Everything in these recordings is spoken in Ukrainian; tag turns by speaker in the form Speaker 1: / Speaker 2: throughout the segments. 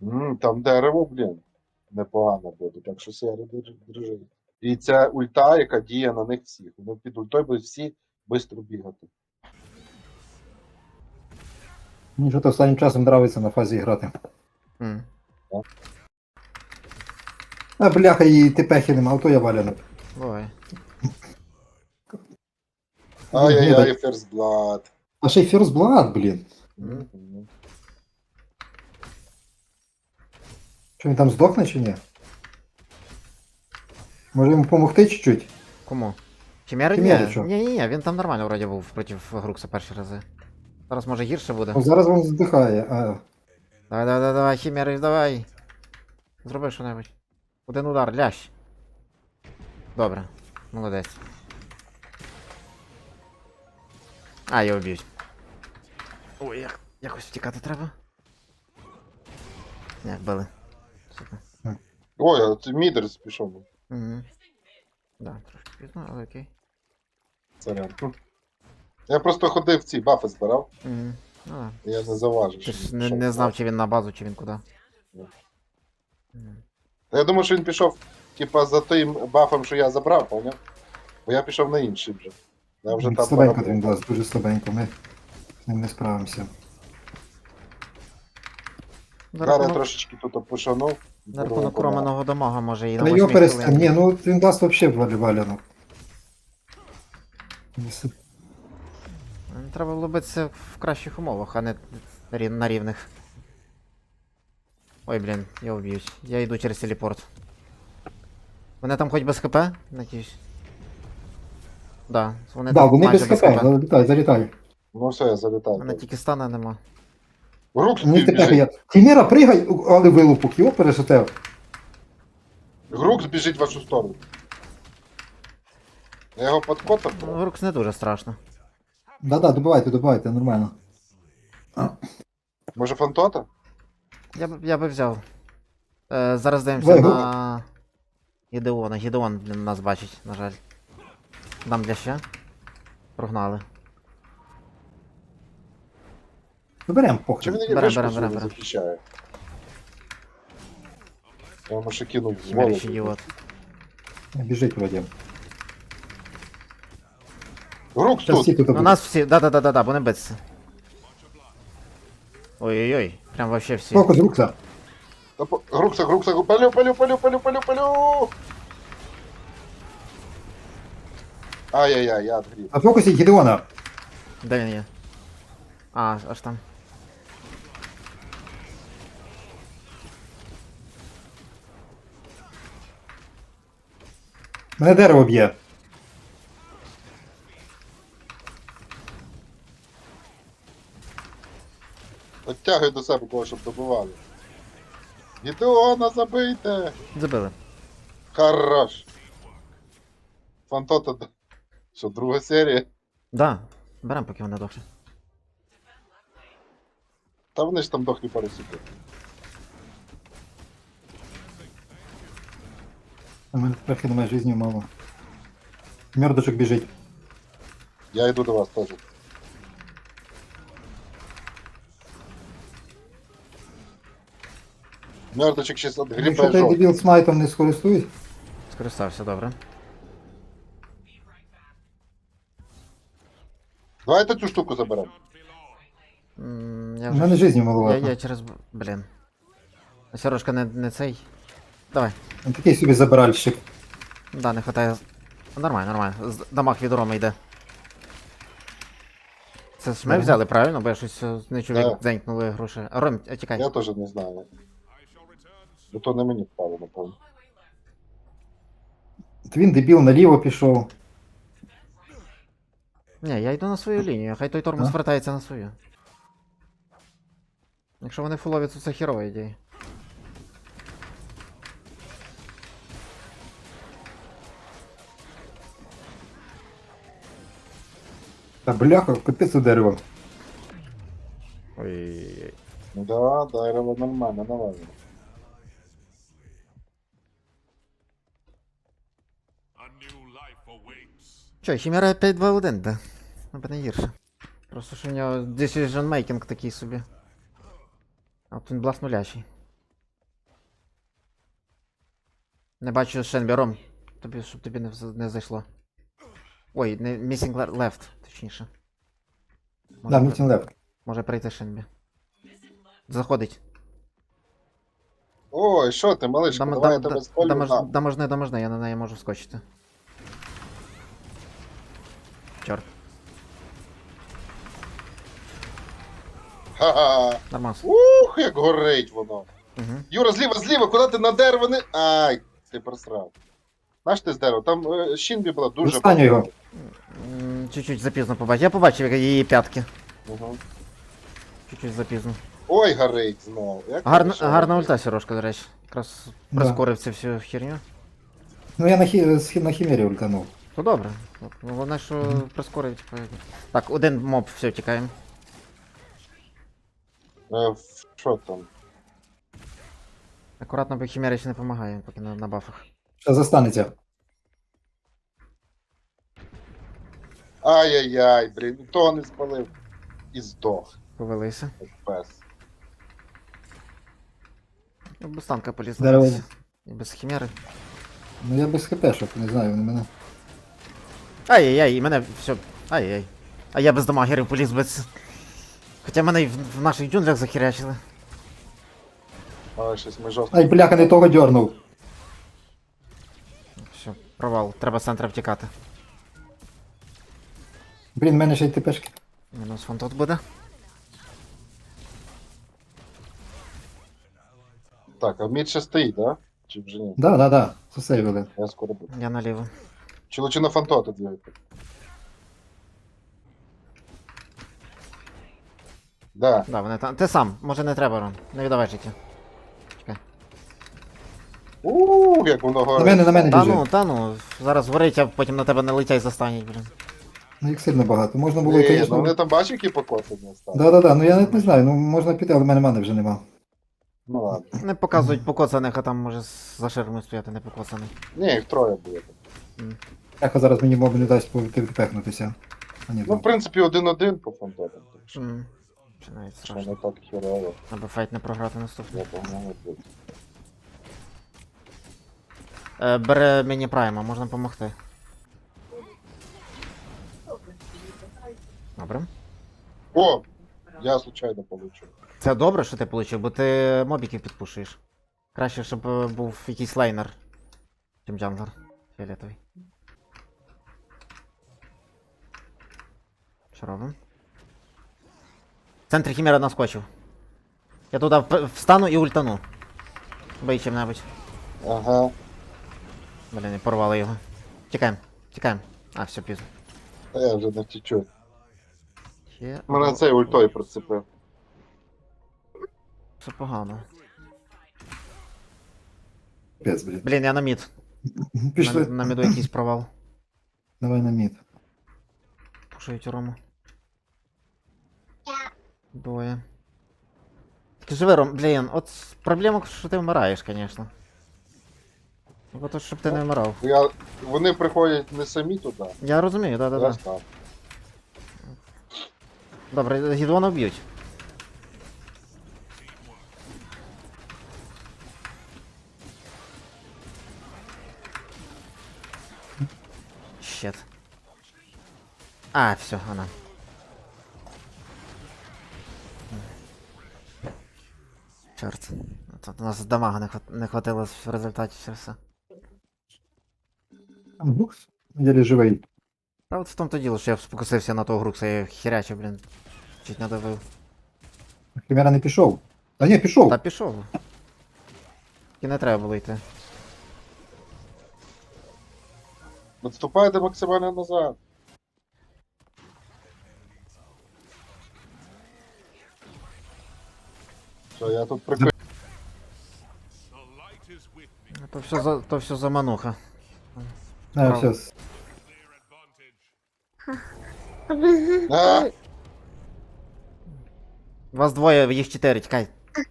Speaker 1: Там дерево, блін, непогано буде, так що Сері держи. І ця ульта, яка діє на них всіх. Вони під ультою будуть всі швидко бігати.
Speaker 2: Мені що-то останнім часом нравиться на фазі грати.
Speaker 3: М.
Speaker 2: А бляха, і тепехи нема, а то я валяну.
Speaker 3: Бувай.
Speaker 1: Ай-яй-яй, First Blood.
Speaker 2: А ще й First Blood, блін.
Speaker 1: Мгм.
Speaker 2: Що він там здохне чи ні? Може йому допомогти чуть-чуть?
Speaker 3: Кому? Хімери?
Speaker 2: Хімери
Speaker 3: Ні,
Speaker 2: що?
Speaker 3: ні, він там нормально вроді був проти Грукса перші рази. Зараз може гірше буде.
Speaker 2: Ну, зараз він здихає.
Speaker 3: Давай, Хімери, давай. Зроби що-небудь. Один удар, лящ. Добре, молодець. А, я вб'ють. Ой, якось втікати треба. Як били. Супер.
Speaker 1: Ой, а це Мідерс пішов.
Speaker 3: Угу. Да, трошки пізно, але окей.
Speaker 1: Сорян. Я просто ходив ці бафи збирав,
Speaker 3: Угу. Ну да.
Speaker 1: і я не заважив.
Speaker 3: Ти
Speaker 1: що
Speaker 3: ж
Speaker 1: він
Speaker 3: не,
Speaker 1: пішов.
Speaker 3: не знав, чи він на базу, чи він куди.
Speaker 1: Ні.
Speaker 3: Мгм.
Speaker 1: Та я думаю, що він пішов, типа, за тим бафом, що я забрав, поняв? Бо я пішов на інший вже. Я вже там
Speaker 2: Слабенько
Speaker 1: поработав.
Speaker 2: він дасть, дуже слабенько. Ми з ним не справимося.
Speaker 3: За
Speaker 1: Зараз я
Speaker 3: рахунок,
Speaker 1: трошечки тут пошанув.
Speaker 3: на рахунок романого дамага може і на
Speaker 2: Та
Speaker 3: 8
Speaker 2: його перестань.
Speaker 3: хвилині.
Speaker 2: Ні, ну він дасть взагалі валянок.
Speaker 3: Треба було битися в кращих умовах, а не на рівних. Ой, блін, його вб'ють. Я йду через телепорт. Вони там хоч без ХП, надіюсь. Да, вони
Speaker 2: Да,
Speaker 3: там
Speaker 2: вони без
Speaker 3: майже
Speaker 2: ХП, залітай, залітай.
Speaker 1: Ну все, я залітаю.
Speaker 3: Мене тільки стана нема.
Speaker 1: Грукс
Speaker 2: Мені тепер
Speaker 1: біжить.
Speaker 2: я. Тіміра, пригай, але вилупок, його перешатев.
Speaker 1: Грукс біжить в вашу сторону. Я його подкотав.
Speaker 3: Ну, Рукс не дуже страшно.
Speaker 2: Да-да, добивайте, нормально.
Speaker 1: Може фантота?
Speaker 3: Я би взяв. Зараз даємося
Speaker 2: Давай,
Speaker 3: на Гідеона. Гідеон блін, нас бачить, на жаль. Дам для ще. Прогнали.
Speaker 2: Доберем,
Speaker 1: Чи
Speaker 2: похрен.
Speaker 1: він
Speaker 3: Берем,
Speaker 1: вишку
Speaker 3: берем,
Speaker 1: свою
Speaker 3: берем.
Speaker 1: захищає? Я йому ще кинув в
Speaker 3: Хімеріч
Speaker 1: голову.
Speaker 3: ідіот.
Speaker 2: Біжить вроді.
Speaker 1: Грукс
Speaker 2: Зараз всі
Speaker 1: тут.
Speaker 2: тут
Speaker 3: У
Speaker 2: будуть.
Speaker 3: нас всі. Да, вони битися. Ой-ой-ой, прям вообще всі.
Speaker 2: Фокус Рукса.
Speaker 1: Грукса, палю. Ай-яй-яй, я отгрів.
Speaker 2: На фокусі Гідеона.
Speaker 3: Де він є? А, аж там.
Speaker 2: Мене дерево б'є.
Speaker 1: Оттягуй до себе кого, щоб добивали. Гідеона забийте!
Speaker 3: Забили.
Speaker 1: Хорош. Фантота. Що, друга серія?
Speaker 3: Да, берем, поки вони дохлі.
Speaker 1: Та вони ж там дохлі пару секунд.
Speaker 2: У мене трохи немає житті мало. Мёрдочок біжить.
Speaker 1: Я йду до вас теж. Мертвочек сейчас
Speaker 2: Якщо
Speaker 1: отгрібає
Speaker 2: той
Speaker 1: жовт.
Speaker 2: дебіл смайтом не скористуюсь,
Speaker 3: Скористався, добре.
Speaker 1: Давайте цю штуку заберемо.
Speaker 3: Я
Speaker 2: у мене житті
Speaker 3: я
Speaker 2: маловато.
Speaker 3: через. Блін. Сережка не цей. Давай.
Speaker 2: Він такий собі забиральщик.
Speaker 3: Да, не хватає. Нормально. Дамаг від Роми йде. Це ж ми
Speaker 2: Ага.
Speaker 3: взяли, правильно? Бо я щось не чув, як
Speaker 1: Так.
Speaker 3: дзенькнули гроші. Ром, тікай.
Speaker 1: Я теж не знаю. Бо то не мені впало, напевно.
Speaker 2: От він дебіл наліво пішов.
Speaker 3: Ні, я йду на свою лінію, хай той тормоз
Speaker 2: А?
Speaker 3: вертається на свою. Якщо вони фулові, то це хірова ідея.
Speaker 2: Та бляха, капець у дерево.
Speaker 3: Ой-ой-ой.
Speaker 1: Ну да, дерево нормально, нормально.
Speaker 3: Чо, Хімера 5-2-1, да? Аби не гірше. Просто що в нього decision making такий собі. А от він блас нулящий. Не бачу Шенбі, Ром. Щоб тобі не зайшло. Ой, не missing left, точніше.
Speaker 2: Да, мітінг лев.
Speaker 3: Може прийти Шенбі. Заходить.
Speaker 1: Ой, що ти, малишка, давай я тебе спалю на.
Speaker 3: Доможни, я на неї можу вскочити. Чорт,
Speaker 1: Ха-ха.
Speaker 3: нормас.
Speaker 1: Ух, як горить воно.
Speaker 3: Угу.
Speaker 1: Юра, зліва, куди ти на дерево не. Ай, ти просрав. Знаєш ти з дерева? Там Шінбі була дуже
Speaker 2: Достаню його.
Speaker 3: Чуть-чуть запізно побачив. Я побачив її п'ятки.
Speaker 1: Угу.
Speaker 3: Чуть-чуть запізно.
Speaker 1: Ой, горить знову. Як
Speaker 3: Гарна ульта, Сережка, до речі. Якраз
Speaker 2: Да.
Speaker 3: прискорив цю всю херню.
Speaker 2: Ну я на хімері ультанув.
Speaker 3: То добре. Головне, що прискорив, типу. Так, один моб, все, тікаємо.
Speaker 1: Що там?
Speaker 3: Акуратно, бо хімера ще не допомагає, поки на бафах.
Speaker 2: Що застанеться?
Speaker 1: Ай-яй-яй, блін, того не спалив. І здох,
Speaker 3: Повелися.
Speaker 1: як пес.
Speaker 3: Без танка поліз.
Speaker 2: Дерево.
Speaker 3: І без хімери.
Speaker 2: Ну я без хпшок, не знаю, вони мене.
Speaker 3: Ай-яй-яй, і мене все. Ай-яй. А я без дамагерів поліз без. Хоча мене і в наших джунглях захерячили.
Speaker 1: Але щось ми жорстко.
Speaker 2: Ай, бляха, не того дьорнув.
Speaker 3: Все, провал. Треба з центра втікати.
Speaker 2: Блін, в мене ще й ТПшки.
Speaker 3: Мінус фон тут буде.
Speaker 1: Так, а мід ще стоїть, да? Чи вже ні?
Speaker 2: Да. Засейвили.
Speaker 1: Я скоро буду.
Speaker 3: Я наліво.
Speaker 1: Чи лучше на фантоти двигати? Да.
Speaker 3: Да, вони там. Ти сам, може не треба, Рон. Не віддавай життя. Чекай.
Speaker 1: Як воно горить.
Speaker 2: На мене біжить.
Speaker 3: Та ну, зараз горить, а потім на тебе не летять застануть, блін.
Speaker 2: Ну їх сильно багато. Можна було,
Speaker 1: Ні, ну
Speaker 2: звісно.
Speaker 1: вони там бачив, які покоцані стали?
Speaker 2: Да, ну я навіть не знаю, ну можна піти, але в мене мани вже нема.
Speaker 1: Ну ладно.
Speaker 3: Не показують покоцаних, а там може за ширмою стояти не покоцаний.
Speaker 1: Ні, їх троє буде.
Speaker 2: Еха зараз мені моб не дасть пехнутися. А ні,
Speaker 1: Ну, в принципі, 1-1 по фантотам. Так що
Speaker 3: Чи навіть
Speaker 1: що не
Speaker 3: страшно.
Speaker 1: так херово.
Speaker 3: Аби файт не програти наступний.
Speaker 1: Я погнали тут.
Speaker 3: Бере мені прайма, можна допомогти. Добре.
Speaker 1: О! Я случайно получив.
Speaker 3: Це добре, що ти получив, бо ти мобіків підпушуєш. Краще, щоб був якийсь лейнер, чим джанглер. Фіолетовий. Що робимо? В центрі хімера наскочив. Я туди встану і ультану. Бий чим-небудь.
Speaker 1: Ага.
Speaker 3: Блін, порвали його. Тікаємо. А, все, пізно.
Speaker 1: Та я вже не втічу.
Speaker 3: Є.
Speaker 1: Мене цей ультою прицепив.
Speaker 3: Все погано.
Speaker 2: Пець, блін.
Speaker 3: Блін, я на мід.
Speaker 2: Пішли.
Speaker 3: На міду якийсь провал.
Speaker 2: Давай на мід.
Speaker 3: Пушують Рому. Двоє. Ти живи, Ром, блін, от проблема, що ти вмираєш, звісно. Бо то, щоб ти не вмирав.
Speaker 1: Вони приходять не самі туди.
Speaker 3: Я розумію, да.
Speaker 1: Я став.
Speaker 3: Добре, гідвона вб'ють. Щет. А, все, она. Чорт. Тут у нас дамага не хватило в результаті все все.
Speaker 2: Там Гукс? Єлі живий.
Speaker 3: Та от в тому то діло, що я спокусився на того Грукса, я херячив, блін. Чуть не добив.
Speaker 2: Химера не пішов. Та ні, пішов.
Speaker 3: Та пішов. І не треба було йти.
Speaker 1: Відступайте максимально назад. Що, я тут прикрив.
Speaker 3: То все за мануха.
Speaker 2: А,
Speaker 3: Право.
Speaker 2: все.
Speaker 1: А!
Speaker 3: Вас двоє, їх 4, тікай.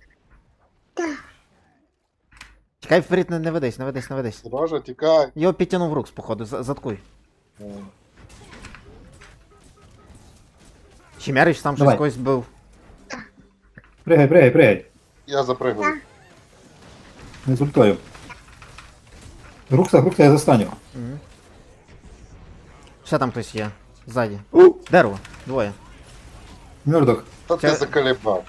Speaker 3: Тікай вперед, не ведись.
Speaker 1: Сережа, тікай.
Speaker 3: Його підтягнув Рукс, походу, заткуй. Хімерич там щось
Speaker 2: Давай.
Speaker 3: когось бив.
Speaker 2: Пригай.
Speaker 1: Я запригую.
Speaker 2: Не з ультою. Рукса, я застаню.
Speaker 3: Угу. Ще там хтось є. Ззаді. Дерево. Двоє.
Speaker 2: Мёрдок.
Speaker 1: Та ти
Speaker 3: Це-
Speaker 1: заколебав.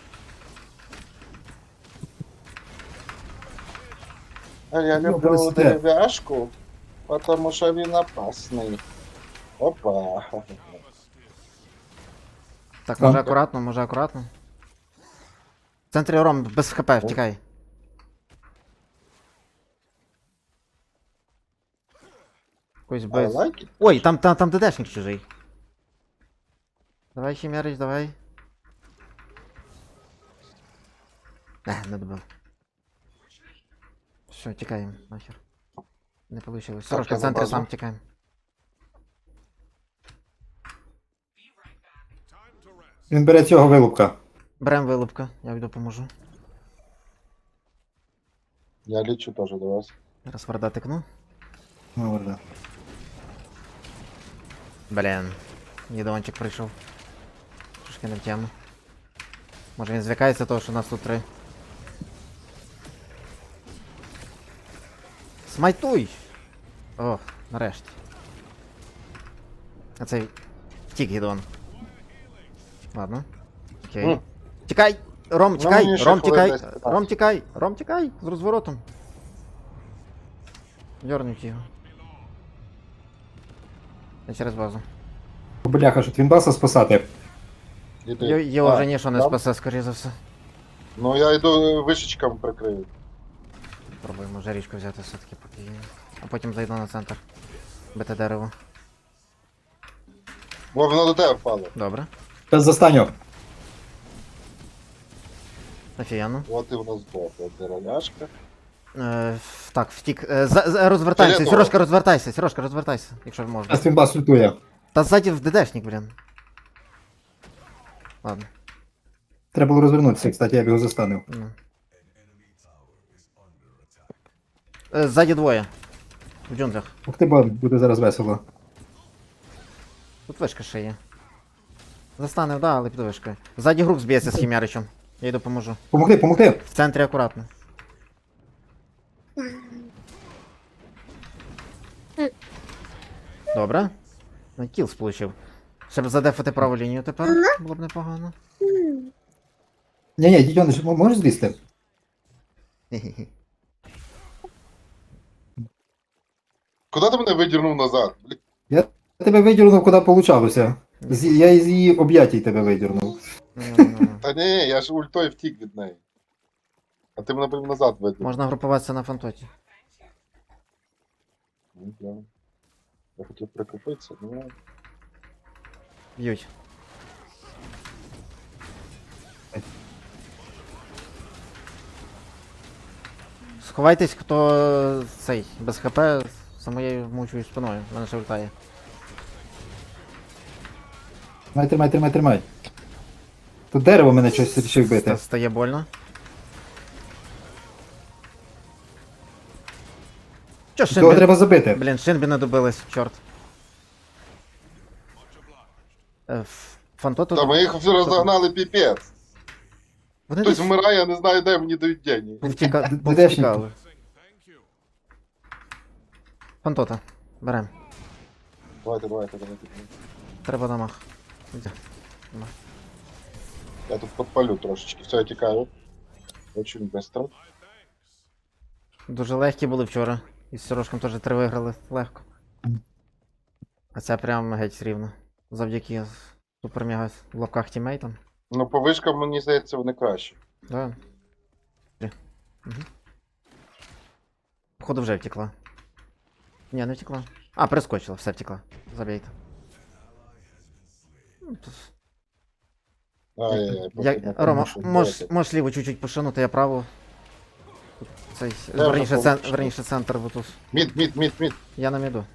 Speaker 1: А я
Speaker 2: Ну,
Speaker 1: люблю
Speaker 2: просто-
Speaker 1: дерев'яшку, тому що він опасний. Опа.
Speaker 3: Так,
Speaker 2: Там.
Speaker 3: може акуратно. В центрі Ром, без хп, втікай. Якось
Speaker 1: I
Speaker 3: без.
Speaker 1: like it.
Speaker 3: Ой, там ДДшник чужий. Давай, Хімерич, давай. Не добив. Все, тікаємо, нахер. Не вийшло. Сорожка
Speaker 1: я
Speaker 3: в
Speaker 1: на
Speaker 3: центрі
Speaker 1: базу.
Speaker 3: сам тікаємо.
Speaker 2: Він бере цього вилупка.
Speaker 3: Берем вилупка, я йду поможу.
Speaker 1: Я лечу теж до вас.
Speaker 3: Зараз варда тикну.
Speaker 2: Ну, варда.
Speaker 3: Блін. Єдончик прийшов. Трошки не в тему. Може він звикається того, що нас тут 3. Смайтуй! О, нарешті. А цей втік Гідон. Ладно. Окей.
Speaker 1: М.
Speaker 3: Тікай! Ром,
Speaker 1: Ну,
Speaker 3: тікай!
Speaker 1: мені ще
Speaker 3: Ром,
Speaker 1: хвилин
Speaker 3: тікай!
Speaker 1: 10-15.
Speaker 3: Ром, тікай! Ром, тікай! З розворотом. Дьорнуть його. Я через базу.
Speaker 2: Бляха, що Твінбаса спасати.
Speaker 1: Іди.
Speaker 3: Його
Speaker 1: А,
Speaker 3: вже ніщо не
Speaker 1: там?
Speaker 3: спасе, скоріше за все.
Speaker 1: Ну я йду вишечками прикрию.
Speaker 3: Пробуємо жарічку взяти все-таки поки є. А потім зайду на центр. Бити дерево.
Speaker 1: Бо воно до тебе впало.
Speaker 3: Добре.
Speaker 2: Зараз застаню.
Speaker 3: Офігенно.
Speaker 1: От і воно здохло. Дерев'яшка.
Speaker 3: Так, втік. Розвертаємося.
Speaker 1: Фіолетово.
Speaker 3: Сережка, розвертайся. Сережка, розвертайся, якщо можна.
Speaker 2: Зараз Твінбас лютує.
Speaker 3: Та ззаді в ДДшник, блін. Ладно.
Speaker 2: Треба було розвернутися, кстати, я б його застанив.
Speaker 3: Ну. Ззаді двоє. В джунглях.
Speaker 2: Ух ти, буде зараз весело.
Speaker 3: Тут вишка ще є. Застанив, да, але під вишкою. Ззаді груп зб'ється з Хімяричем. Я й допоможу.
Speaker 2: Помогти!
Speaker 3: В центрі акуратно. Добре. Ну, кіл сполучив. Щоб задефати праву лінію тепер. Було б непогано.
Speaker 2: Ні, Дідьонич, можеш злізти?
Speaker 3: Хе-хе-хе.
Speaker 1: Куди ти мене видірнув назад? Блін,
Speaker 2: Я тебе видірнув, куди получалося. Я із її об'ятій тебе видірнув.
Speaker 3: Ну-ну-ну.
Speaker 1: Та ні, я ж ультою втік від неї. А ти мене прям назад видірнув.
Speaker 3: Можна групуватися на фантоті.
Speaker 1: Ну, да. Я хотів прикупитися, ну.
Speaker 3: Б'ють. Сховайтесь, хто цей, без хп, за моєю мучою спиною. Мене ще ультає.
Speaker 2: Тримай. Тут дерево мене щось рішив бити.
Speaker 3: Стає больно. Чо
Speaker 2: Того
Speaker 3: Шинбі?
Speaker 2: треба забити.
Speaker 3: Блін, Шинбі не добились, чорт. Фантоту...
Speaker 1: Та ми їх все розогнали піпець.
Speaker 3: Вони
Speaker 1: Хтось
Speaker 3: десь
Speaker 1: вмирає, я не знаю, де мені дають деньги.
Speaker 3: повтікали. Фантота. Берем.
Speaker 1: Давайте.
Speaker 3: Треба дамаг. Іди.
Speaker 1: Я тут подпалю трошечки. Все, я тікаю. Очень быстро.
Speaker 3: Дуже легкі були вчора. І з Сірошком теж 3 виграли легко. А це прям геть рівно. Завдяки супер-мега в лапках тімейтам.
Speaker 1: Ну, по вишкам, мені здається, вони краще.
Speaker 3: Да. Угу. Походу вже втекла. Ні, не втекла. А, перескочила, все втекла. Забейте. Ну, тут-
Speaker 1: Ай-яй-яй.
Speaker 3: Рома, можеш ліво чуть-чуть пошинути, я право. Тут цей,
Speaker 1: Я
Speaker 3: верніше,
Speaker 1: вже помічу.
Speaker 3: верніше центр, бо тут.
Speaker 1: Мід.
Speaker 3: Я на міду.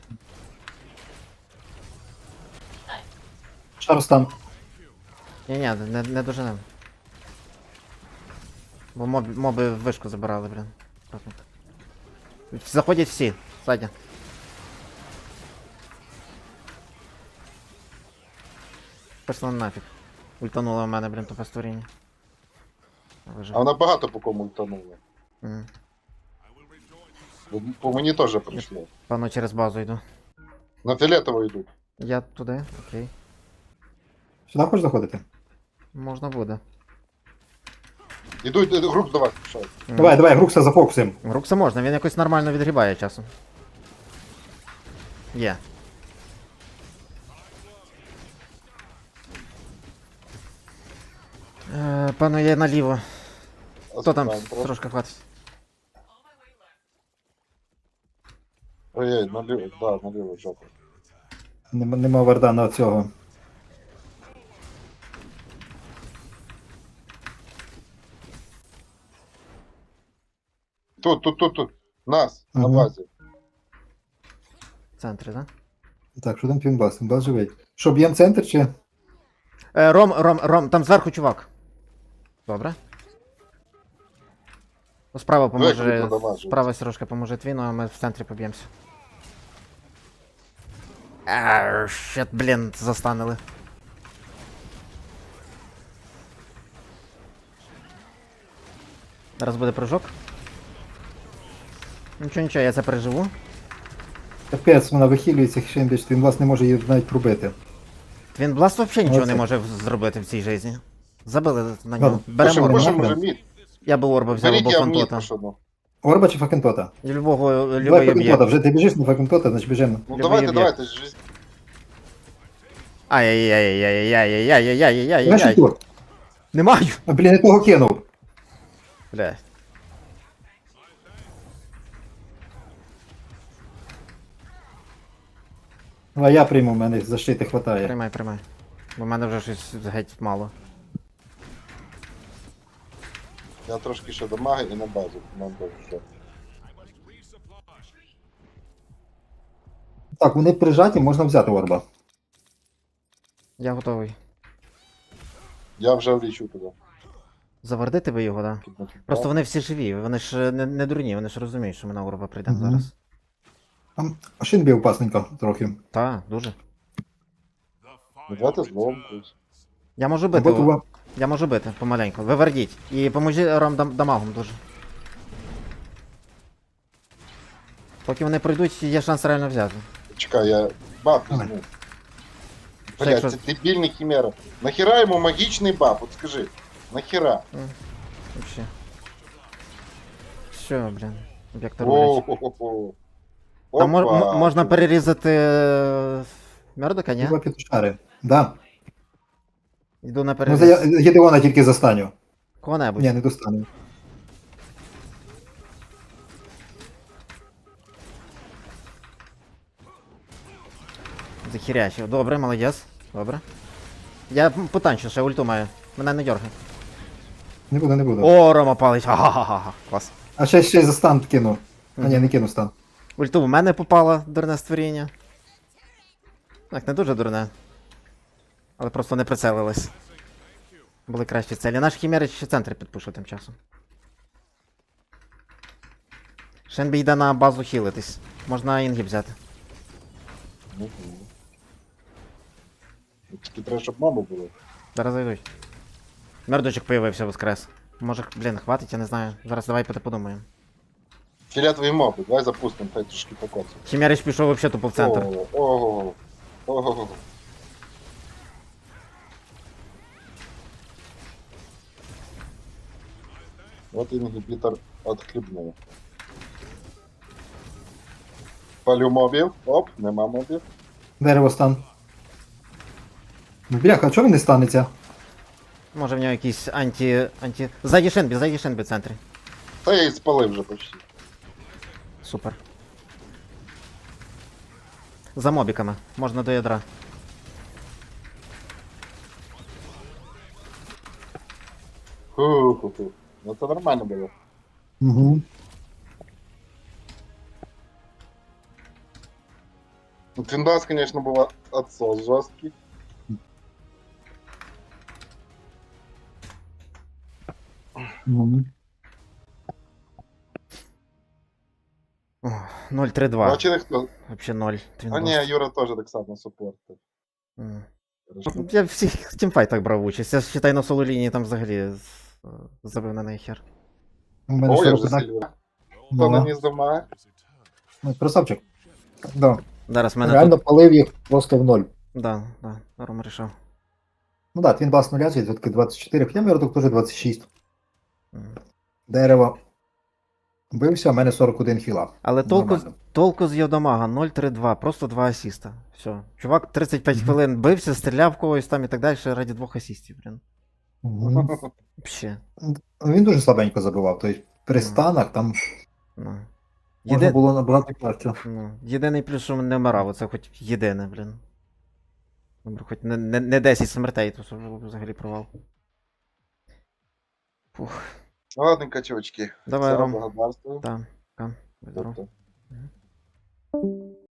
Speaker 2: Шарстан.
Speaker 3: Ні, не доженем. Бо моби вишку забирали, блін. Аккуратно. Заходять всі, ззаді. Пішла нафіг. Ультанула в мене, блін, тупе створіння.
Speaker 1: А вона багато по кому ультанула.
Speaker 3: Мгм.
Speaker 1: По мені теж прийшло.
Speaker 3: Певно, через базу йду.
Speaker 1: На фіолетово йдуть.
Speaker 3: Я туди, окей.
Speaker 2: Сюди хочеш заходити?
Speaker 3: Можна буде.
Speaker 1: Ідуть, груп давай, пішов.
Speaker 2: Давай, давай, Грукса зафокусим.
Speaker 3: Рукса можна, він якось нормально відгрібає часом. Є. Певно, є наліво. Хто там трошки хватить?
Speaker 1: Ой, наліво, да, наліво, жопа.
Speaker 2: Нема варда на цього.
Speaker 1: Тут. Нас, на
Speaker 2: Ага.
Speaker 1: базі.
Speaker 3: В центрі, так?
Speaker 2: Так, що там Пінбас? Пінбас живий. Що, б'єм центр чи?
Speaker 3: Ром, там зверху чувак. Добре. Ну, справа поможе.
Speaker 1: Виклик надавати.
Speaker 3: Справа Сережка поможе твіну, а ми в центрі поб'ємося. Щет, блін, застанили. Зараз буде прыжок. Нічого, я це переживу.
Speaker 2: Капець, вона вихилюється, Хішенбіч, Пінбас не може її навіть пробити.
Speaker 3: Твін Бласт взагалі нічого
Speaker 2: Оце.
Speaker 3: не може зробити в цій житті. Забили на нього. Беремо
Speaker 1: Пишем,
Speaker 3: орба.
Speaker 1: пишем
Speaker 2: нахрен.
Speaker 1: вже мід.
Speaker 3: Я би орба взяв
Speaker 1: Беріть,
Speaker 3: або
Speaker 1: я в мід
Speaker 3: фантота.
Speaker 1: пишу.
Speaker 2: Орба чи Факентота?
Speaker 3: І любого
Speaker 2: Давай
Speaker 3: любий
Speaker 2: Факентота,
Speaker 3: об'єкт.
Speaker 2: вже ти біжиш на Факентота, значить біжимо.
Speaker 1: Ну
Speaker 3: Любий
Speaker 1: давайте,
Speaker 3: об'єкт.
Speaker 1: давайте. ж-
Speaker 3: Ай-яй-яй-яй-яй-яй-яй-яй-яй-яй-яй-яй-яй-яй.
Speaker 2: Знаєш, Артур?
Speaker 3: Не маю!
Speaker 2: А, блін, я того кинув.
Speaker 3: Бля.
Speaker 2: А я прийму, в мене защити хватає.
Speaker 3: Приймай. Бо в мене вже щось геть мало.
Speaker 1: Я трошки ще дамаги і на базу. Нам теж все.
Speaker 2: Так, вони прижаті, можна взяти орба.
Speaker 3: Я готовий.
Speaker 1: Я вже влічу туди.
Speaker 3: Завардити ви його, да? Просто вони всі живі, вони ж не дурні, вони ж розуміють, що ми на орба прийдемо
Speaker 2: Мгм.
Speaker 3: зараз.
Speaker 2: А Шинбі опасненько трохи.
Speaker 3: Та, дуже.
Speaker 1: Ну, давайте злом когось.
Speaker 3: Я можу бити.
Speaker 2: Або туба.
Speaker 3: Я можу бити помаленьку. Вивардіть. І поможіть Ром дамагом дуже. Поки вони пройдуть, є шанс реально взяти.
Speaker 1: Чекай, я баф
Speaker 2: Давай.
Speaker 1: візьму.
Speaker 3: Що,
Speaker 1: Блять,
Speaker 3: якщо-
Speaker 1: це дебільний хімера. Нахіра йому магічний баф, от скажи. Нахіра?
Speaker 3: Вообще. Все, блін. Об'єкт рулять.
Speaker 1: О-хо-хо-хо.
Speaker 3: Там
Speaker 1: Опа.
Speaker 3: можна перерізати Мердока, ні?
Speaker 2: Туба петушари. Да.
Speaker 3: Йду на
Speaker 2: Ну,
Speaker 3: переріз.
Speaker 2: Гедеона тільки застаню.
Speaker 3: Кого-небудь.
Speaker 2: Ні, не достану.
Speaker 3: Захірячив. Добре, молодець. Добре. Я потанчу, ще ульту маю. Мене не дергай.
Speaker 2: Не буду, не буду.
Speaker 3: О, Рома палить. Ха-ха-ха. Клас.
Speaker 2: А ще й за стан кину. А ні, не кину стан.
Speaker 3: Ульту в мене попало, дурне створіння. Так, не дуже дурне. Але просто не прицелились. Були кращі цілі. Наш хімери ще центр підпушив тим часом. Шенбі йде на базу хілитись. Можна інгіб взяти.
Speaker 1: Мгм. Тільки треба, щоб мама була.
Speaker 3: Зараз зайдуть. Мердочок появився воскрес. Може, блін, хватить, я не знаю. Зараз давай подумаємо.
Speaker 1: Фіолетові моби, давай запустимо, хай трошки покоцаємо.
Speaker 3: Хімерич пішов вообще тупо в центр.
Speaker 1: Ого. Ого. Вот ингибитор отхлебнув. Палю мобів. Оп, нема мобів.
Speaker 2: Дерево стан. Ну, бляха, а чого він не станеться?
Speaker 3: Може в нього якийсь анті. Ззаді Шенбі в центрі.
Speaker 1: Та я і спалив вже почти.
Speaker 3: Супер. За мобіками. Можна до ядра.
Speaker 1: Ху-ху-ху. Ну це нормально було.
Speaker 2: Угу.
Speaker 1: Ну, Твиндас, конечно, був отсос жорсткий.
Speaker 2: Угу.
Speaker 3: 0-3-2.
Speaker 1: Бачили хто?
Speaker 3: Вообще 0.
Speaker 1: А ні, Юра теж так само супортив.
Speaker 3: Я всіх тімфайтах брав участь. Я считай на соло лінії там взагалі забив на неї хер.
Speaker 2: У мене
Speaker 1: О, я
Speaker 2: 40
Speaker 1: вже
Speaker 2: знак.
Speaker 1: сильвер. Хто
Speaker 2: Ну,
Speaker 1: наніс до мага?
Speaker 2: Ну, красавчик. Да.
Speaker 3: Зараз мене
Speaker 2: Реально
Speaker 3: тут.
Speaker 2: палив їх просто в ноль.
Speaker 3: Да, Рома рішав.
Speaker 2: Ну так, він бас нуля, звідки 24, хоча Мірдок теж 26.
Speaker 3: Мгм.
Speaker 2: Дерево. Бився, а в мене 41 хіла.
Speaker 3: Але
Speaker 2: Нормально.
Speaker 3: толку з Йодомага 0-3-2, просто 2 асіста. Все. Чувак 35
Speaker 2: Мгм.
Speaker 3: хвилин бився, стріляв когось там і так далі раді 2 асістів, блін.
Speaker 2: Мгм.
Speaker 3: Вообще.
Speaker 2: Він дуже слабенько забивав, тобто при
Speaker 3: Ну.
Speaker 2: станах там
Speaker 3: Ну.
Speaker 2: можна було набагато краще.
Speaker 3: Ну, єдиний плюс, що не вмирав, оце хоч єдине, блін. Добре, хоч не 10 смертей, то це вже взагалі провал. Фух.
Speaker 1: Ладненько, чувачки.
Speaker 3: Давай,
Speaker 1: Все,
Speaker 3: Ром.
Speaker 1: благодарствую.
Speaker 3: Так, будь здоров.
Speaker 1: Тобто,